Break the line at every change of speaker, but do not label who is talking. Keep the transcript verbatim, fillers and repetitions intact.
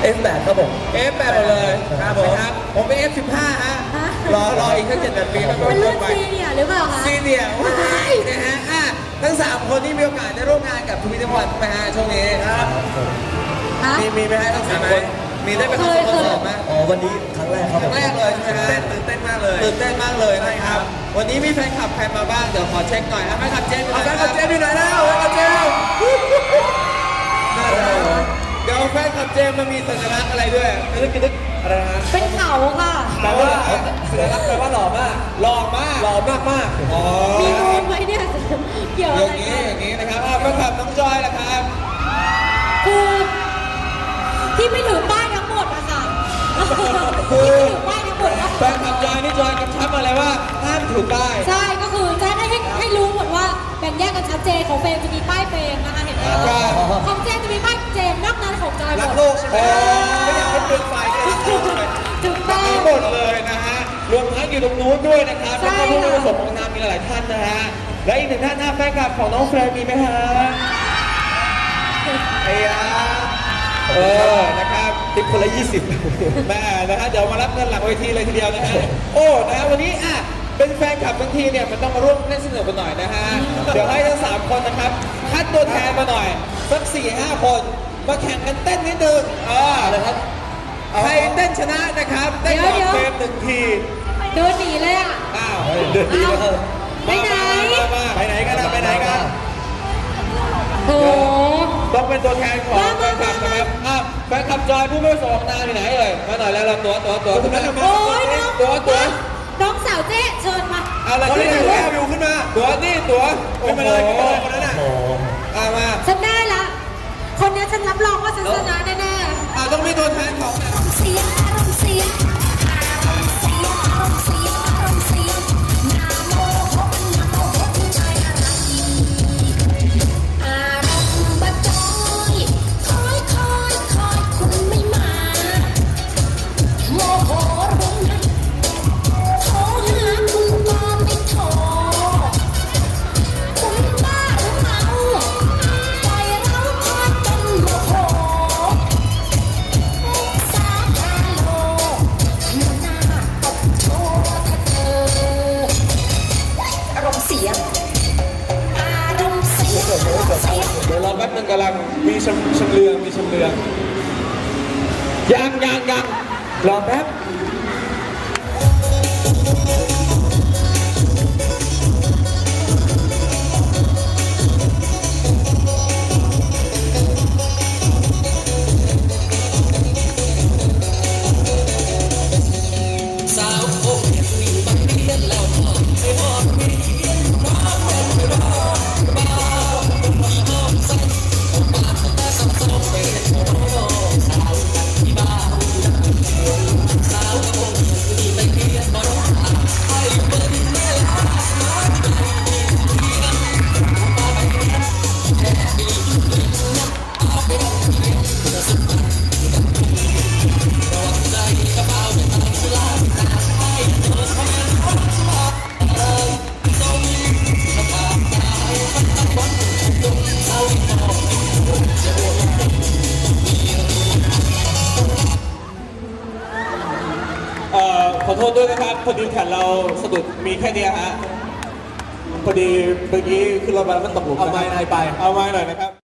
เอฟ แปด ครับผม
เอฟ แปด หมดเลยครับผมครับผมเป็น เอฟ สิบห้า ฮะรอรออีกแค่เจ็ดแปดปีก็
เป็น
ล
รุ่น
งไป
ซีเนียร์หรือเปล่าคะ
ซีเนียร์ว้ายนะฮะอ่ะทั้งสามคนที่มีโอกาสได้ร่วมงานกับทวีตวันไหมฮะช่วงนี้ครับ
ฮะ
มีมีไหมฮะทั้งสามคนมีได้ไปทำคอนเสิร์ตไหม
อ๋อวันนี้ครั้งแรกครับ
ค
ผ
รั้
ม
งแรกเลยใช่ไหมฮะตื่นเต้นมากเลยตื่นเต้นมากเลยนะครับวันนี้มีแฟนคลับใครมาบ้างเดี๋ยวขอเช็คหน่อยนะแฟนคลับเจมส์แฟนคลับเจมส์อยู่ไหนแล้วแฟนคลับเจมส์น่ารักเดี๋ยวแฟนคลับเจมส์มันมีสัญลักษณ์อะไรด้วยนึกนึกอะไรนะ
เป็นเขาค่ะ
แปลว่าสัญลักษณ์แปลว่าหล่อมากหล่อมากหล่อมากมากอ๋อ
มีนูนไหมเนี่ยเกี่ยว
อ
อะไร
ย่างนี้
กัน
อย่างนี้นะครับอ่ะแฟนคลับน้องจอยล่ะครับ
คือที่ไม่ถือป้ายทั้งหมดอะค่ะที่ไม่ถือป้ายทั้งหมดก็
แฟนคลับจอยนี่จอยกำชับมาเลยว่าห้ามถือป้าย
ใช่ก็คือจะได้ให้ให้รู้หมดว่าแบ่งแยกกันชัดเจนของเฟรมจะมีป้ายเฟรมนะคะเห็นไหมของเจมจะมีป้ายเจมนอกนั้นของจอยหม
รัก
ด
โลกใช่ไหมไม่อยากให้เปลืองไฟเลยรักโลกใช่ไหม
ถูกต้อง
มีหมดเลยนะฮะรวมทั้งอยู่ตรงนู้นด้วยนะครับแล้วก็ผู้มีประสบการณ์มีหลายท่านนะฮะและอีกหนึ่งท่านหน้าแฟนคลับของน้องเฟรมมีไหมฮะไอ้ยาเออนะครับ
ติดคนละยี่สิบ
แม่นะฮะเดี๋ยวมารับเงินหลังเวทีเลยทีเดียวนะฮะโอ้นะฮะวันนี้อ่ะเป็นแฟนคลับบางทีเนี่ยมันต้องมาร่วมเล่นสนุกกันหน่อยนะฮะเดี๋ยวให้ทั้งสามคนนะครับคัดตัวแทนมาหน่อยสักสี่ห้าคนมาแข่งกันเต้นนิดนึงเออ
นะครับ
ใครเต้นชนะนะครับเต้นก่อนเฟรมหนึ่งที
เดินหนีเลยอะ
อ้าว
เดือนนี้ก็
ไปไหน
มามาไปไหนกันนะไปไหนกัน
โอ้
ต้องเป็นตัวแทนของแฟนคลับนะครับอ่ะแฟนคลับจอยผู้ไม่ประสบการณ์ที่ไหนเอ่ยมาหน่อยแล้วเราตัวตัวตัวตัวนั้นมา
โอ้ยน้อง
ตัวตัว
น้องสาวเจ๊เชิญมา
เอาอะไรที่ไหนแวววิวขึ้นมาตัวนี่ตัวขึ้นมาเลยขึ้นมาเลยคนนั้นน่ะ
โอ้
อ่ะมา
ฉันได้ละ คนนี้ฉันรับรองว่าฉันชนะแน่
อ่ะต้องมีตัวแทนของ
เสียงอารมณ์เสียงอารมณ์เสียงอารมณ์เสียงอารมณ์เสียงนาโมโหนาโมโหผู้ชายอะไรอารมณ์บัดจอยคอยคอยคอยคุณไม่มาโมโหรุนโทรหาคุณก็ไม่โทรคุณบ้าหรือเมาปล่อยเราคอยเป็นโมโห สาคาโลหน้าตบโชว์ถ้าเธออารมณ์เสียอารมณ์เสียอารมณ์เสีย
เดี๋ยวรอแป๊บนึงกำลังมีชำชำเลืองมีชำเลืองยังยังยังรอแป๊บ เอ่อขอโทษด้วยนะครับพอดีแขนเราสะดุดมีแค่เนี้ยฮะพอดีเมื่อกี้ขึ้นรถมาแล้วมันตกหลุมเอาไม้หน่อยไปเอาไม้หน่อยนะครับ